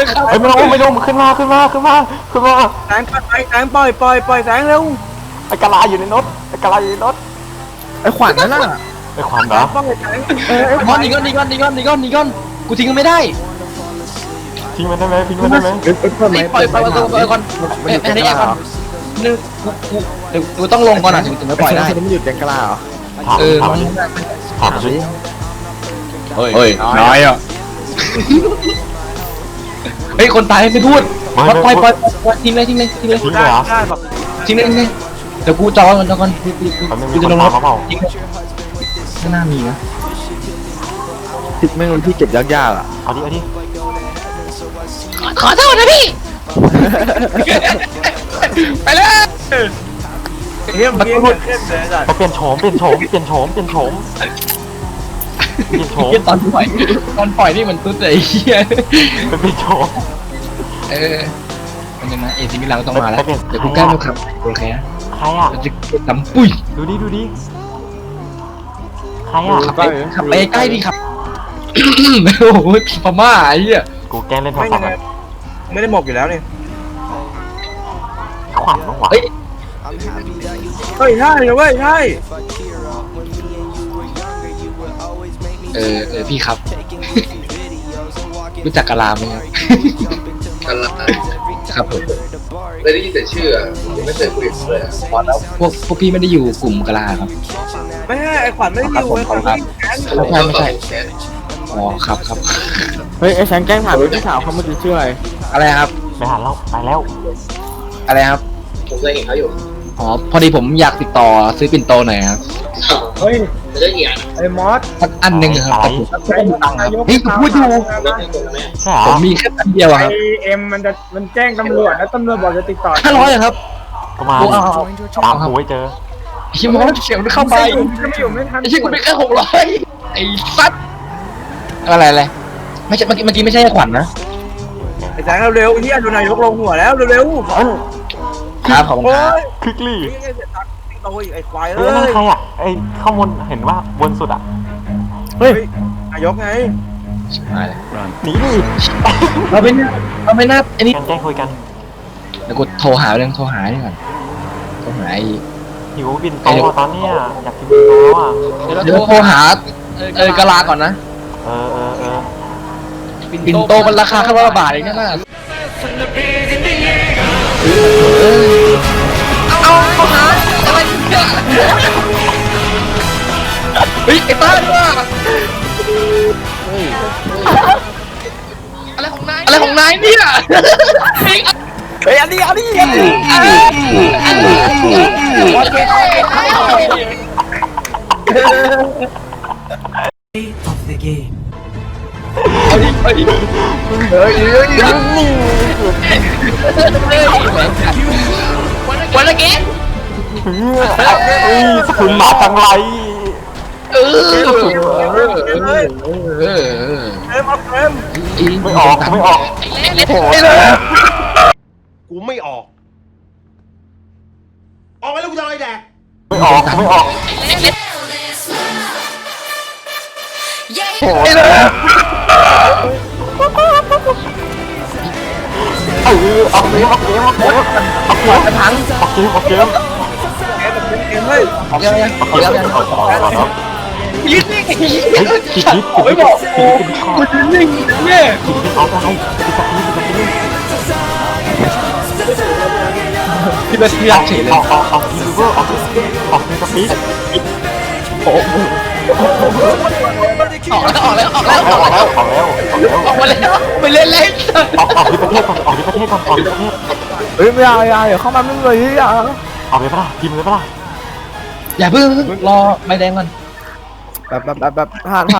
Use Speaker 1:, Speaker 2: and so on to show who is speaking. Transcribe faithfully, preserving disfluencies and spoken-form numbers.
Speaker 1: เฮ้ยไม่ลงไม่ลงขึ้นมาขึ้นมาขึ้นมาขึ้นมา
Speaker 2: แสงปล่อยแสงปล่อยปล่อยปล่อยแสงเร็ว
Speaker 1: ไอ้กะลาอยู่ในรถไอ้กะลาอยู่ในรถ
Speaker 3: ไอ้ขวัญนั่นน่ะ
Speaker 1: ไอ้ความเหรอ
Speaker 2: ปล่อยแสง
Speaker 3: เออไอ้ข
Speaker 4: ก้
Speaker 3: วั
Speaker 4: อน
Speaker 3: ญ
Speaker 4: นี่ก้อนนี่ก้อนนี่ก้อนนี่ก้อนนี่ก้อนกูทิ้งไม่ได้
Speaker 1: ทิ้งมันได้ไหมทิ้งมันได้ไหม
Speaker 3: เอ้ยเอ้ยเพิ่มไหม
Speaker 4: ปล่อยปล่อยปล่อยปล่อยก่อน
Speaker 3: มันหยุดแกงกล้าเหรอ
Speaker 4: นึกกูเดี๋ยวกูต้องลงก่อนนะถึงถึงจะปล่อยได้
Speaker 3: ไอ้มันหยุดแกงกล้าเหรอ
Speaker 1: ถาม
Speaker 4: เออ
Speaker 1: ถาม
Speaker 4: มัน
Speaker 1: ถามสิ
Speaker 4: เฮ้ยน้อยอ่ะเฮ้ยคนตายไม่พูดปล่อยปล่อยปล่อยทิ้งเลยทิ้งเลยทิ้งเลย
Speaker 1: ทิ้งเลยเหรอ
Speaker 2: ได้แบบ
Speaker 4: ทิ้งเลยทิ้งเลยเดี๋ยวกูจอก่อนจอก่อนกูกู
Speaker 1: มันไม่มี
Speaker 4: กู
Speaker 1: ค
Speaker 4: จะ
Speaker 1: น
Speaker 4: ลงร
Speaker 1: ถาม
Speaker 4: ถ
Speaker 1: เขาเปล่า
Speaker 4: ทิ้งเลยไม่น่ามีนะ
Speaker 3: ทิศไม่รู้ที่เก็บยากๆอ่ะ
Speaker 1: เอาดิเอาดิ
Speaker 4: ขอโทษนะพี่ไปเลย
Speaker 2: เฮี้ยมเฮี้ยมเข้มเลยจ้ะ
Speaker 1: ไปเปลี่ยนโฉมเปลี่ยนโฉมเปลี่ยนโฉมเปลี่ยนโฉมเปลี่ยนโฉม
Speaker 4: ตอนปล่อยตอนปล่อยนี่มันตุ๊ดเลยเฮีย
Speaker 1: ไปเปลี่ยนโฉม
Speaker 4: เออมันยังไงเอซิมิลังต้องมาแล้วเดี๋ยวกูแก้ไม่ขับโอเคนะ
Speaker 1: ใครอ่ะ
Speaker 4: จะดำปุ้ย
Speaker 1: ดูดิดูดิใครอ่ะ
Speaker 4: ขับไปขับไปใกล้ดิครับโอ้โหพม่าไอ้เหี้ย
Speaker 1: กูแกล้งเล่นโทร
Speaker 2: ไม่
Speaker 1: ศั
Speaker 2: ยั
Speaker 1: พ
Speaker 2: ง
Speaker 1: ท์
Speaker 2: ไง
Speaker 1: อะ
Speaker 2: ไม่ได้หมกอยู่แล้วนี่
Speaker 1: ขวัญน้องหวาน
Speaker 4: เฮ้ย
Speaker 2: เฮ้ยใช่เลยเว้ยใช่
Speaker 4: เออเออพี่ครับ รู้จักกะลาไหมครับกะลาครับผม
Speaker 5: ไม่ได้ยินแต่ชื่ออะยังไม่เคยคุยกับเขาเลยอะ
Speaker 4: พอแล้วพวกพวกพี่ไม่ได้อยู่กลุ่มกะลาครับ
Speaker 2: ไม่ใช่ไอ้ขวัญไม่ได้อยู่ไอ้ขวัญไม่ได้แก๊ง
Speaker 4: ไม่ใช่ไม่ใช่
Speaker 5: แชท
Speaker 4: อ๋อครับครับ
Speaker 3: เฮ้ยไอ้แสงแกล้งถามพี่สาวเขาเมื่อกี้ชื่ออะไร
Speaker 4: อะไรครับ
Speaker 1: ไปหาเราไปแล้ว
Speaker 4: อะไรครับ
Speaker 5: ผมเคยเห็นเขาอยู่
Speaker 4: อ๋อพอดีผมอยากติดต่อซื้อปิ่นโตหน่อยครับ
Speaker 2: เฮ้ย
Speaker 5: ไม่ได้เหียน
Speaker 2: ไอ้มอส
Speaker 4: สักอันหนึ่งครับแต่ผมไม่มีตังค์ครับเฮ้ยกูพูดอยู่
Speaker 5: ไม่ใช่คนละแม่
Speaker 1: ใช่เหร
Speaker 4: ผ
Speaker 1: อ
Speaker 4: มมีแค่อันเดียวอะครับ
Speaker 2: ไอเอ็มมันจะมันแจ้งตำรวจแล้วตำรวจบอกจะติดต่อ
Speaker 4: ห้าร้อยอะครับ
Speaker 1: ประมาณ
Speaker 4: โอ้เอาเอา
Speaker 1: ตามกูไว้เจอ
Speaker 4: ชิมอสเฉียวเข้าไป
Speaker 2: ก็ไม่อยู่ไม่ทัน
Speaker 4: ไอ้ชิกูเป็นแค่หกร้อยไอ้สัตว์อะไรอะไรไม่ใช่เมื่อกี้เมื่อกี้ไม่ใช่ขวัญนะ
Speaker 2: ไอ้แสงเร็วๆไอ้เหี้ยโดนนายกลงหัวแล้วเร็วๆ
Speaker 1: เอ้ย
Speaker 4: ครับขอบคุณ
Speaker 2: โอ้
Speaker 4: ครับ
Speaker 2: ย
Speaker 1: คลิกลี่
Speaker 2: นี่ไงเสียตังค์ติดโตอีกไอ้ควาย
Speaker 1: เฮ้
Speaker 2: เอ้
Speaker 1: ยนั่น
Speaker 2: ย
Speaker 1: ใครอ่ะไอ้ข้างบนเห็นว่าบนสุดอ่ะ
Speaker 3: เฮ้ย
Speaker 2: นายกไง
Speaker 1: หนีดิ
Speaker 4: เราไม่น่าเราไม่น่าไอ้นี่
Speaker 1: กันแจ้งคุยกัน
Speaker 4: เดี๋ยวกูโทรหาเรื่องโทรหานี่ก่อนโทรหาไอ้
Speaker 1: หิวบินโตอะตอนเนี้ยอยากกินบินโตแล้วอ่ะ
Speaker 4: เดี๋ยวโทรหาเออกะลาก่อนนะ
Speaker 1: เออเออเออ
Speaker 4: ปิ่นโตมันราคาแค่ร้อยบาทเองนะเอาโทรหาอะไรเนี่ยเฮ้ยไอ้ต้าด้วยอะไรของนายอะไรของนายเนี่ย
Speaker 2: เฮ้ยอันนี้อันนี้
Speaker 4: เอาดิเอาดิเฮ้ยเฮ้ยวันละเกม
Speaker 1: เฮ้ยสกุลมาจังไร
Speaker 4: เออเออเออเออ
Speaker 2: เอ็มเอาเอ็ม
Speaker 1: ไม่ออกไม่ออก
Speaker 4: โอ้ย
Speaker 6: กูไม่ออก ออกไปแล้วกูจะเอาอะไรแดก
Speaker 1: ไม่ออกไม่ออก
Speaker 4: โอ้ยเลย
Speaker 1: เออเอาเกมเอาเกมเอาเกมเอาเกม
Speaker 4: กระถัง
Speaker 1: เอาเกมเอาเกม
Speaker 2: เอ็มเฮ้ย
Speaker 4: ออกยังยังออกยังยัง
Speaker 1: เอาเอาเอาเอา
Speaker 4: ยืนนิ่ง
Speaker 1: คิดคิดคิด
Speaker 4: ไม่บอกกูกูยืนนิ่งเนี่ย
Speaker 1: เอาได้คิดสักนิดสักนิด
Speaker 4: พี่เป็นพี่รักเฉยเลย
Speaker 1: เอาเอาเอาคิดดูเอาเอาคิดสักนิด
Speaker 4: โอ้โหออกแล้วออกแล้วออกแล้วออกแล้ว
Speaker 1: เอาแล้วเอาแล้ว
Speaker 4: ออกมาแล้วไปเล่นเล่น
Speaker 1: เอาเอาที่ประเทศก่อนเอาที่ประเทศก่อนเอาที่ประเทศ
Speaker 3: เฮ้ยไม่เอาอย่าเดี๋ยวเข้ามาไม่เลยอย่า
Speaker 1: เอาไปปะล่ะพิมพ์เลยปะล่ะ
Speaker 4: อย่าเพิ่งรอใบแดงก่อน
Speaker 3: แบบแบบแบบแบบผ่าน